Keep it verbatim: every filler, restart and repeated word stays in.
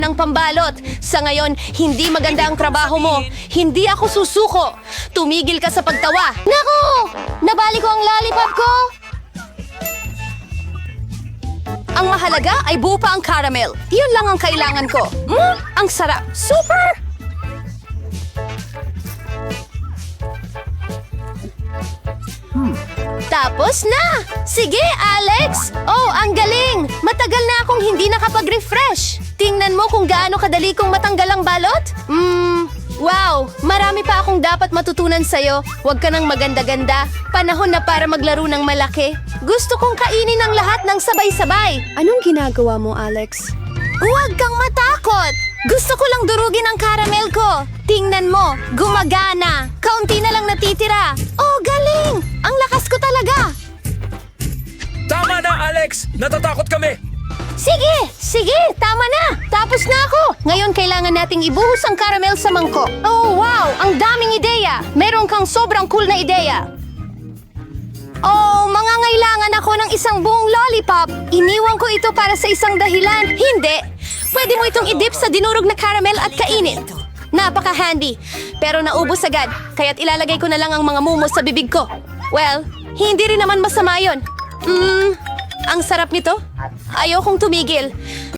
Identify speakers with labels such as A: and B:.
A: ng pambalot. Sa ngayon, hindi maganda ang trabaho mo. Hindi ako susuko. Tumigil ka sa pagtawa. Naku! Nabali ko ang lollipop ko! Ang mahalaga ay buo pa ang caramel. Yun lang ang kailangan ko. Mm, ang sarap. Super! Tapos na! Sige, Alex! Oh, ang galing! Matagal na akong hindi nakapag-refresh. Tingnan mo kung gaano kadali kong matanggal ang balot. Hmm, wow! Marami pa akong dapat matutunan sa'yo. Huwag ka nang maganda-ganda. Panahon na para maglaro ng malaki. Gusto kong kainin ang lahat ng sabay-sabay. Anong ginagawa mo, Alex? Huwag kang matakot! Gusto ko lang durugin ang caramel ko. Tingnan mo, gumagana. Kaunti na lang natitira. Oh, galing! Ang lakas ko talaga.
B: Tama na, Alex! Natatakot kami!
A: Sige, sige, tama na. Tapos na ako. Ngayon kailangan nating ibuhos ang caramel sa mangkok. Oh, wow! Ang daming ideya. Meron kang sobrang cool na ideya. Oh, mangangailangan ako ng isang buong lollipop. Iniwan ko ito para sa isang dahilan. Hindi. Pwede mo itong idip sa dinurog na caramel at kainin. Napaka-handy. Pero naubos agad, kaya't ilalagay ko na lang ang mga mumos sa bibig ko. Well, hindi rin naman masama yun. Mmm, ang sarap nito. Ayokong tumigil.